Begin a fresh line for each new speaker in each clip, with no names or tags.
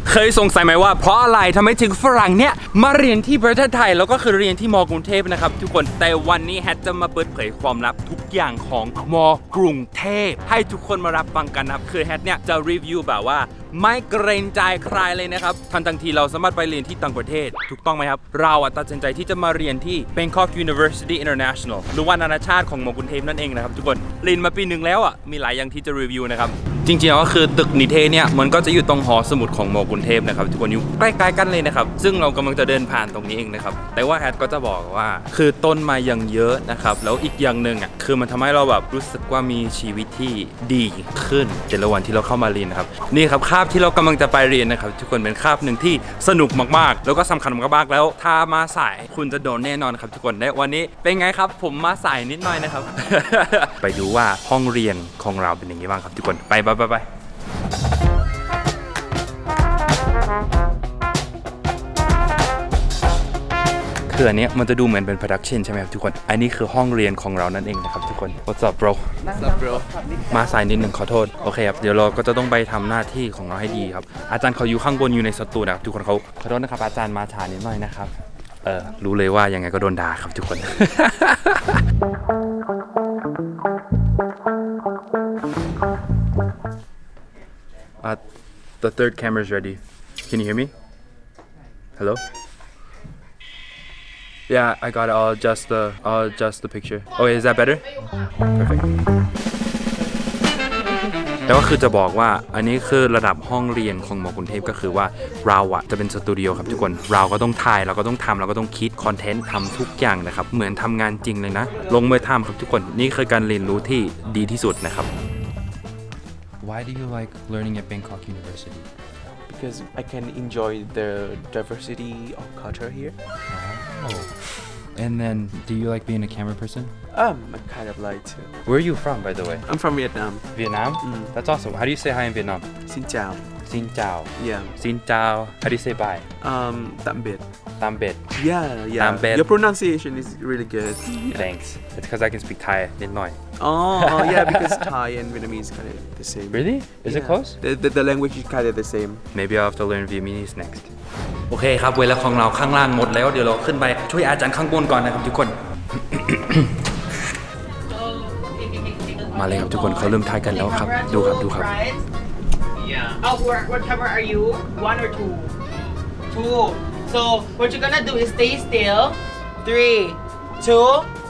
เคยสงสัยไหมว่าเพราะอะไรทำไมถึงฝรั่งเนี่ยมาเรียนที่ประเทศไทยแล้วก็คือเรียนที่ม.กรุงเทพนะครับทุกคนแต่วันนี้แฮทจะมาเปิดเผยความลับทุกอย่างของม.กรุงเทพให้ทุกคนมารับฟังกันนะครับคือแฮทเนี่ยจะรีวิวแบบว่าไม่เกรงใจใครเลยนะครับทั้งที่เราสามารถไปเรียนที่ต่างประเทศถูกต้องไหมครับเราตัดสินใจที่จะมาเรียนที่ Bangkok University International หรือว่านานาชาติของม.กรุงเทพนั่นเองนะครับทุกคนเรียนมาปีหนึ่งแล้วมีหลายอย่างที่จะรีวิวนะครับจริงๆก็คือตึกนิเทศเนี่ยมันก็จะอยู่ตรงหอสมุดของม.กรุงเทพนะครับทุกคนอยู่ใกล้ๆกันเลยนะครับซึ่งเรากำลังจะเดินผ่านตรงนี้เองนะครับแต่ว่าแฮทก็จะบอกว่าคือต้นไม้ยังเยอะนะครับแล้วอีกอย่างหนึ่งคือมันทำให้เราแบบรู้สึกว่ามีชีวิตที่ดีขึ้นแต่ละวันที่เราเข้ามาเรียนนะครับนี่ครับคาบที่เรากำลังจะไปเรียนนะครับทุกคนเป็นคาบหนึ่งที่สนุกมากๆแล้วก็สำคัญมากๆแล้วถ้ามาสายคุณจะโดนแน่นอนครับทุกคนและวันนี้เป็นไงครับผมมาสายนิดหน่อยนะครับ ไปดูว่าห้องเรียนของเราเป็นอย่างไรบ้างครับทุกคนไปคืออันนี้มันจะดูเหมือนเป็น production ใช่ไหมครับทุกคนอันนี้คือห้องเรียนของเรานั่นเองนะครับทุกคน What's up bro
What's up bro
มาสายนิดหนึ่งขอโทษโอเคครับเดี๋ยวเราก็จะต้องไปทำหน้าที่ของเราให้ดีครับอาจารย์เขาอยู่ข้างบนอยู่ในสตูนะครับทุกคนเขาขอโทษนะครับอาจารย์มาช้านิดหน่อยนะครับรู้เลยว่ายังไงก็โดนด่าครับทุกคน The third camera is ready. Can you hear me? Hello? Yeah, I got it. I'll adjust the picture. Okay, is that better? Perfect. แต่ว่าคือจะบอกว่าอันนี้คือระดับห้องเรียนของม.กรุงเทพก็คือว่าเราจะเป็นสตูดิโอครับทุกคนเราก็ต้องถ่ายเราก็ต้องทำเราก็ต้องคิดคอนเทนต์ทำทุกอย่างนะครับเหมือนทำงานจริงเลยนะลงมือทำครับทุกคนนี่คือการเรียนรู้ที่ดีที่สุดนะครับ Why do you like learning at Bangkok University?
Because I can enjoy the diversity of culture here.
And then, do you like being a camera person?
I kind of like to.
Where are you from, by the way?
I'm from Vietnam.
Vietnam? That's awesome. How do you say hi in Vietnam?
Xin chào.
Xin chào.
Yeah.
Xin chào. How do you say bye?
Tạm biệt.
Tạm biệt.
Yeah.
Tạm biệt.
Your pronunciation is really good.
Thanks. It's because I can speak Thai นิดหน่อย
Oh, yeah, because Thai and Vietnamese kind of the same.
Really? Is it close?
The language is kind of the same.
Maybe I'll have to learn Vietnamese next. โอเคครับเวลาของเราข้างล่างหมดแล้วเดี๋ยวเราขึ้นไปช่วยอาจารย์ข้างบนก่อนนะครับทุกคน มาเลยครับทุกคนเขาเริ่มถ่ายกันแล้วครับดูครับ
Yeah. Oh, what camera are you? One or two? Two. So what you're gonna do is stay still. 3, 2.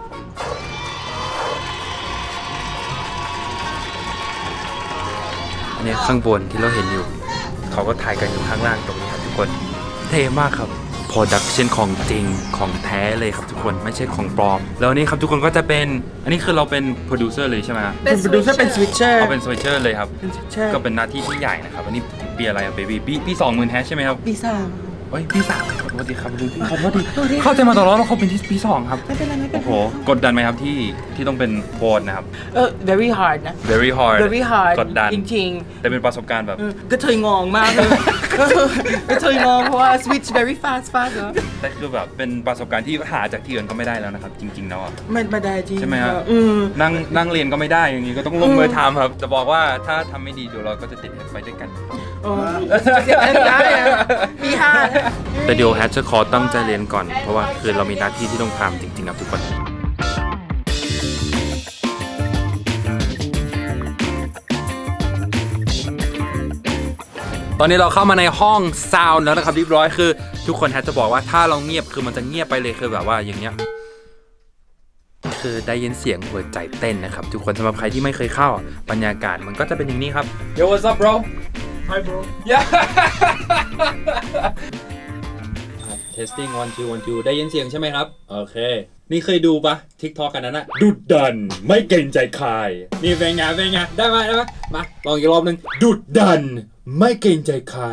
อันนี้ข้างบนที่เราเห็นอยู่เขาก็ถ่ายกันอยู่ข้างล่างตรงนี้ครับทุกคนเท่มากครับ Production ของจริงของแท้เลยครับทุกคนไม่ใช่ของปลอมแล้วนี่ครับทุกคนก็จะเป็นอันนี้คือเราเป็นโปรดิวเซอร์เลยใช่ไหมครับ
เป็นโปรดิวเซอร์เป็นสวิตเชอร์
เอาเป็นสวิตเชอร์เลยครับก็เป็นหน้าที่ที่ใหญ่นะครับอันนี้ปีอะไรอะเบบี้ปี20,000แฮชใช่ไหมครับ
ปี 3
เฮ้ยปี3ขอโทษทีครับดูที่ขอโทษทีเข้าใจมาตลอดว่าเขาเป็นที่ปี2ครับ
ไม่เป็นไร
โอ้โหกดดันไหมครับที่ต้องเป็นโบสนะครับ
very hard นะ
very hard
very hard
กดดัน
จริง
แต่เป็นประสบการณ์แบบ
ๆก็เทยงองมากเลยก็เทยงองเพราะว่า switch very fast เนอะ
แต่คือแบบเป็นประสบการณ์ที่หาจากที่อื่นก็ไม่ได้แล้วนะครับจริงๆแล้วอะ
ไม่ได้จริง
ใช่ไหมครับ นั่งเรียนก็ไม่ได้อย่างนี้ก็ต้องลงมือทำครับจะบอกว่าถ้าทำไม่ดีเดี๋ยวเราก็จะติดไปด้วยกัน
เสียได้ปี5
แต่เดี๋ยวแฮชจะขอตั้งใจเรียนก่อนเพราะว่าคือเรามีหน้าที่ที่ต้องทำจริงๆครับทุกคนตอนนี้เราเข้ามาในห้องซาวน์แล้วนะครับเรียบร้อยคือทุกคนแฮชจะบอกว่าถ้าเราเงียบคือมันจะเงียบไปเลยคือแบบว่าอย่างเงี้ยคือได้ยินเสียงหัวใจเต้นนะครับทุกคนสำหรับใครที่ไม่เคยเข้าบรรยากาศมันก็จะเป็นอย่างนี้ครับ Yo what's up bro
Hi bro.
Yeah testing 1 2 1 2ได้ยินเสียงใช่ไหมครับโอเคนี่เคยดูปะ TikTok กันนั้นนะดุดันไม่เกรงใจใครนี่เป็นไงได้ไหมมาลองอีกรอบนึงดุดันไม่เกรงใจใคร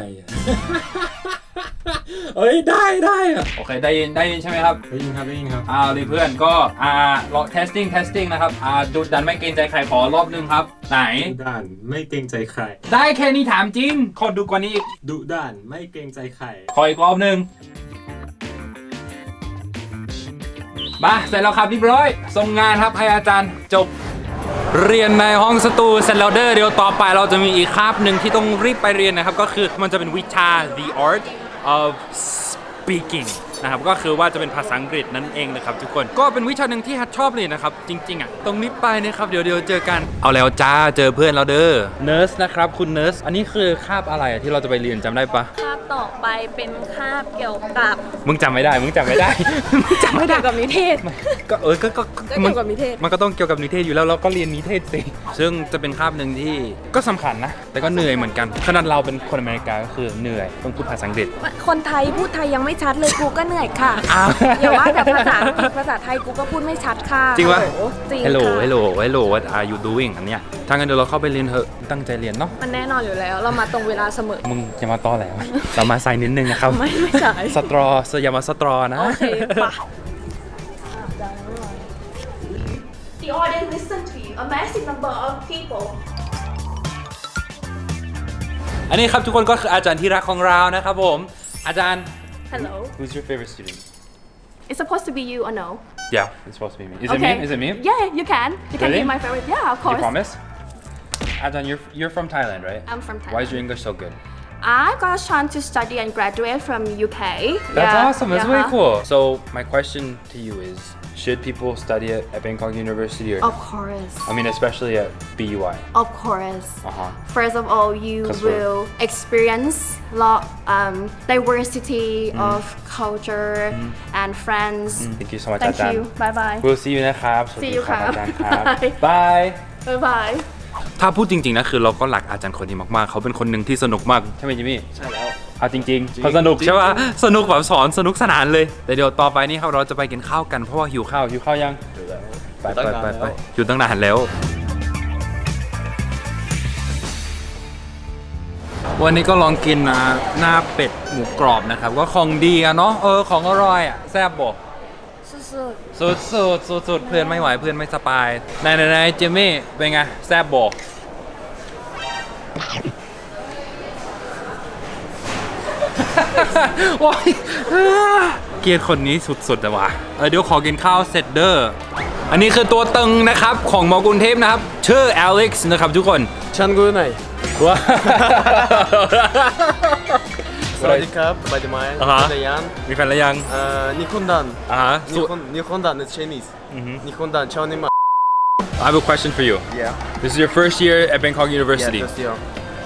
เอ้ยได้อะโอเคได้ยินใช่ไหมครับได้ยินครับดิเพื่อนก็ลอง testing นะครับดุดันไม่เกรงใจใครขอรอบนึงครับไหน
ดุดันไม่เกรงใจใคร
ได้แค่นี้ถามจริงขอดูกว่านี้อีก
ดุดันไม่เกรงใจใคร
ขออีกรอบนึงมาเสร็จแล้วครับเรียบร้อยส่งงานครับให้อาจารย์จบเรียนในห้องสตูเสร็จแล้วเดี๋ยวต่อไปเราจะมีอีกคาบหนึ่งที่ต้องรีบไปเรียนนะครับก็คือมันจะเป็นวิชา the art of speaking นะครับก็คือว่าจะเป็นภาษาอังกฤษนั่นเองนะครับทุกคนก็เป็นวิชาหนึ่งที่ฮัทชอบเลยนะครับจริงๆอ่ะตรงนี้ไปนะครับเดี๋ยวเจอกันเอาแล้วจ้าเจอเพื่อนเราเด้อเนิร์สนะครับคุณเนิร์สอันนี้คือคาบอะไรที่เราจะไปเรียนจำได้ปะ
คาบต่อไปเป็นคาบเกี่ยวกับ
มึงจำไม่ได้ มึงจำไม่ได้
เกี่ยวกับนิเทศ
ก็ก็
เกี่ยวกับนิเทศ
มันก็ต้องเกี่ยวกับนิเทศอยู่แล้วเราก็เรียนนิเทศสิซึ่งจะเป็นคาบหนึ่งที่ก็สำคัญนะแต่ก็เหนื่อยเหมือนกันขนาดเราเป็นคนอเมริกาก็คือเหนื่อยต้องพูดภาษาอังกฤษ
คนไทยพูดไทยยังไม่ชัดเลยกูก็เหนื่อยค่ะ
อ้าว
อย่าว่าแต่ภาษาไทยกูก็พูดไม่ชัดค่ะ
จริงปะ
โอ้โหจริง
Hello
ค่ะ
Hello What are you doing อันเนี้ยถ้างั้นเดี๋ยวเราเข้าไปเรียนเถอะตั้งใจเรียนเนาะ
มันแน่นอนอยู่แล้ว เรามาตรงเวลาเสมอ
มึงจะมาต้อแหล้ว เรามาใส่นิดนึงนะครับ
ไม่สาย
สตรออย่ามาสตรอนะ
โอเคปะ The audience listen to you a massive number of people
อันนี้ครับทุกคนก็คืออาจารย์ที่รักของเรานะครับผมอาจารย์
Hello
Who's your favorite student
It's supposed to be you or no
Yeah it's supposed to be me Is it me Is it me
Yeah you can
Really?
be my favorite Yeah of
You
course
promise Ajahn you're from Thailand right
I'm from Thailand
Why is your English so good
I got a chance to study and graduate from UK
That's
Yeah,
awesome that's
yeah.
really cool So my question to you is should people study at Bangkok University or
Of course
I mean especially at BUI
Of course
Uh-huh
First of all, you
'Cause we're-
will experience lot diversity of culture and friends.
Thank you so much
Thank
อาจารย์
you. Bye bye.
We'll see you นะครับสวัส
See
ดี
you
ครับ
ครับ
อาจารย์ครับ
Bye
Bye
Bye bye.
ถ้าพูดจริงๆนะคือเราก็รักอาจารย์คนนี้มากๆ เขาเป็นคนหนึ่งที่สนุกมากใช่ไหมจิมมี่
ใช่แล้ว
เอาจริงๆเขาสนุกใช่ปะสนุกแบบสอนสนุกสนานเลย แต่เดี๋ยวต่อไปนี่ครับเราจะไปกินข้าวกันเพราะว่าหิวข้าวยังไปอยู่ตั้งนานแล้ว วันนี้ก็ลองกินหน้าเป็ดหมูกรอบนะครับก็ของดีอะเนาะของอร่อยอะแซ่บบ่สุดเพื่อนไม่ไหวเพื่อนไม่สบายไหนเจมี่เป็นไงแซ่บบ่ว้ายเกลียดคนนี้สุดๆแต่ว่าเดี๋ยวขอกินข้าวเสร็จเด้ออันนี้คือตัวตึงนะครับของมอกรุงเทพนะครับชื่ออเล็กซ์นะครับทุกคน
ชันกูไหน
ว้า
สวัสดีครับสบายดีไหม
อ่าฮะ
นายยัน
มีแฟนแล้วยัง
นิคอนดัน
ฮะ
นิคอนดัน is Chinese นิคอนดันชาวนี่มา
I have a question for you
Yeah
This is your first year at Bangkok University
Yeah, this year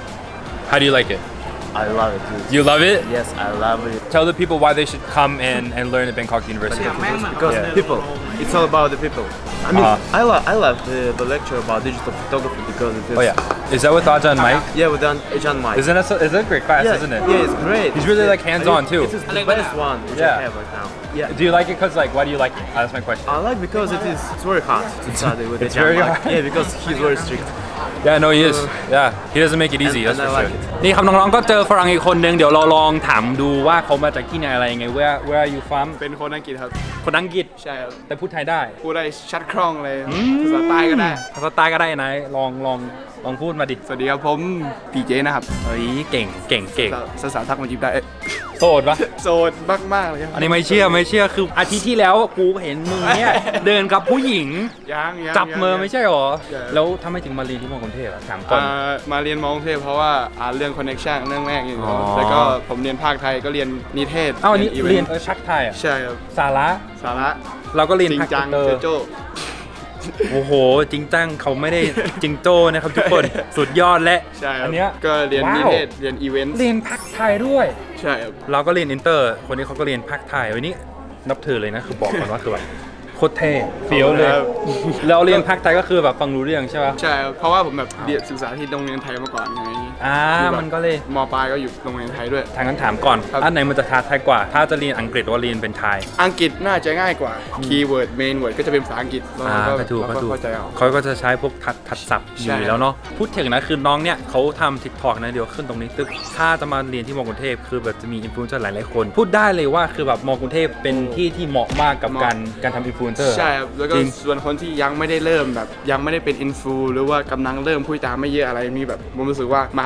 How do you like it
I love it dude.
You love it
Yes I love it
Tell the people why they should come and learn at Bangkok University
because
Yeah.
people it's all about the people I mean
Uh-huh.
I love the lecture about digital photography because it is
Oh yeah Is that with Ajahn Mike?
yeah we done John Mike
It's a great class,
yeah,
isn't it?
yeah it's great
He's really like hands-on too.
It is the best one which
Yeah.
I have right now yeah
Do you like it because like why do you like it? That's my question.
I like because it's very hard to study with
It's
John
very
Mike.
hard.
Yeah, because he's very strict.
Yeah, no, he is. Yeah, he doesn't make it easy.
And
That's for
I like
sure. นี่ครับน้องๆก็เจอฝรั่งอีกคนนึงเดี๋ยวเราลองถามดูว่าเขามาจากที่ไหนอะไรยังไง Where are you from
เป็นคนอังกฤษครับ
คนอังกฤษ
ใช่ครับ
แต่พูดไทยได้
พูดได้ชัดคล่องเลยภาษาใต้ก็ได้
ภาษาใต้ก็ได้นะลองพูดมาดิ
สวัสดีครับผมพีเจนะครับ
เฮ้ยเก่ง
สาวๆทักมาจีบได้
โสดปะ
โสดมากๆเลยครับ
อันนี้ไม่เชื่อคืออาทิตย์ที่แล้วกูเห็นมึงเนี่ยเดินกับผู้หญิง
ยัง
จับมือไม่ใช่หรอ
ใช่
แล้วทำไมถึงมาเรียนที่มอกรุงเทพอะถามก่อน
มาเรียนมอกรุงเทพเพราะว่าเรื่องคอนเนคชั่นเรื่องแรกอย่าง
อ๋
เงี้
อ
แล้วก็ผมเรียนภาคไทยก็เรียนนิเทศ
เอ้าอันนี้
อีว
เรียน
ต์
ชักไทยอะ
ใช่ครับ
สาระ
สาระ
เราก็เรียน
จริง
ภาค
จัง
เตอ
เจ
ร์
โจ้
โอ้โห จริงจังเขาไม่ได้จริงโจ้นะครับทุกคน สุดยอดและ
ใช่ครั
อั
บ
นเนี้ย
ก็เรียน
ว้าว
นิเทศเรียนอีเวนต์
เรียนภาคไทยด้วย
ใช่ครับ
เราก็เรียนอินเตอร์ คนนี้เขาก็เรียนภาคไทยวันนี้นับถือเลยนะคือบอกก่อนว่าคือแบบโคตรเท่เฟี้ยวเลย
ครับ
แล้วเรียนภาคไทยก็คือแบบฟังรู้เรื่องใช่ป่ะ
ใช่ครับเพราะว่าผมแบบเรียนศึกษาที่โรงเรียนไทยมาก่อนไง คือแบบ
มันก็เลย
มปลายก็อยู่โรงเรียนไทยด้วย
ทางนั้นถามก่อน
ครับ
อันไหนมันจะท้าทายกว่า ถ้าจะเรียนอังกฤษหรือว่าเรียนเป็นไทย
อังกฤษน่าจะง่ายกว่า คีย์เวิร์ด เมนเวิร์ดก็จะเป็นภาษาอังกฤษแล้วเรา
ก็ถูก
เรา
ก็ถูก
เข้าใจเอา
เขาก็จะใช้พวกทัดศัพท์อ
ใช่
ยู่แล้วเนาะพูดถึงนะคือน้องเนี่ยเขาทำทิกทอกนะเดี๋ยวขึ้นตรงนี้ตึกถ้าจะมาเรียนที่มอกรุงเทพคือแบบจะมีอินฟลูเอนเซอร์หลายๆคน พูดได้เลยว่าคือแบบมอกรุงเทพเป็นที่ที่เหมาะมากกับการทำอินฟลูเอนเซอร์
ใช่ครับ แล้วก็
จริง
ส่วนคนที่ยังไม่ได้เริ่มแบบยังไม่ได้เป็นอินฟูหรือว่ากำลังเริ่มพูดจาไม่เยอะอะไรมีแบบผมรู้สึกว่ามหา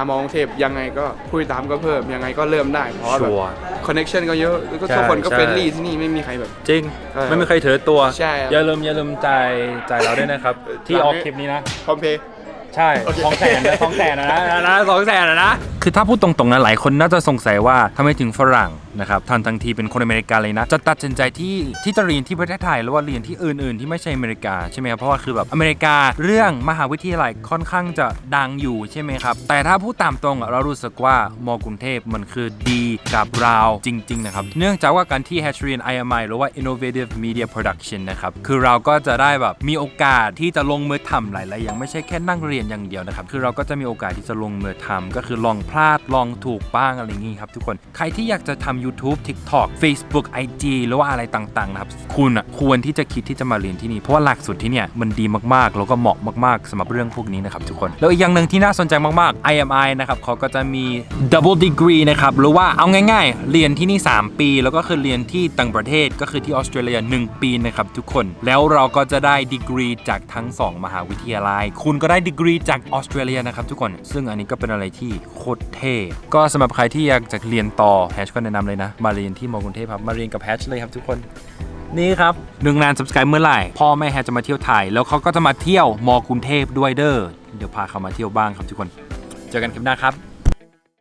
มอกรุงเทพยังไงก็ผู้ติดตามก็เพิ่มยังไงก็เริ่มได้เพราะว่าแบบ
ชัวร์
คอนเนคชั่นก็เยอะแล้วก็
ใช่
ทุกคนก็
ใช่
เฟรนลี่ที่นี่ไม่มีใครแบบ
จริง ไม่มีใครถือตัว
ใช่ครับ
อย่าลืมจ่ายเราด้วยนะครับ ที่ออกคลิปนี้นะ
พร้อมเพย์
ใช่
โอเค
200,000นะ200,000นะ คือถ้าพูดตรงๆนะหลายคนน่าจะสงสัยว่าทำไมถึงฝรั่งนะครับทั้งที่เป็นคนอเมริกาเลยนะจะตัดสินใจที่จะเรียนที่ประเทศไทยหรือว่าเรียนที่อื่นๆที่ไม่ใช่อเมริกาใช่ไหมครับเพราะว่าคือแบบอเมริกาเรื่องมหาวิทยาลัยค่อนข้างจะดังอยู่ใช่ไหมครับแต่ถ้าพูดตามตรงเรารู้สึกว่ามกรุงเทพมันคือดีกับเราจริงๆนะครับเนื่องจากว่าการที่แฮชเรียน IMI หรือว่า Innovative Media Production นะครับคือเราก็จะได้แบบมีโอกาสที่จะลงมือทำหลายๆอย่างไม่ใช่แค่นั่งเรียนอย่างเดียวนะครับคือเราก็จะมีโอกาสที่จะลงมือทำก็คือลองพลาดลองถูกบ้างอะไรอย่างงี้ครับทุกคนใครที่อยากจะทำ YouTube TikTok Facebook IG หรือว่าอะไรต่างๆนะครับคุณควรที่จะคิดที่จะมาเรียนที่นี่เพราะว่าหลักสูตรที่เนี่ยมันดีมากๆแล้วก็เหมาะมากๆสำหรับเรื่องพวกนี้นะครับทุกคนแล้วอีกอย่างหนึ่งที่น่าสนใจมากๆ IMI นะครับเขาก็จะมี Double Degree นะครับหรือว่าเอาง่ายๆเรียนที่นี่3ปีแล้วก็คือเรียนที่ต่างประเทศก็คือที่ออสเตรเลีย1ปีนะครับทุกคนแล้วเราก็จะได้ดีกรีจากทั้ง2มหาวิทยาลัยคุณก็ได้ดีกรีจากออสเตรเลียนะครับทุกคนซึ่งอันนี้ก็เป็นอะไรที่โคตรเท่ก็สำหรับใครที่อยากจะเรียนต่อแฮชก็แนะนำเลยนะมาเรียนที่มกรุงเทพครับมาเรียนกับแฮชเลยครับทุกคนนี่ครับ1 ล้าน subscribe เมื่อไหร่พ่อแม่แฮชจะมาเที่ยวไทยแล้วเขาก็จะมาเที่ยวมกรุงเทพด้วยเด้อเดี๋ยวพาเขามาเที่ยวบ้างครับทุกคนเจอกันคลิปหน้าครับ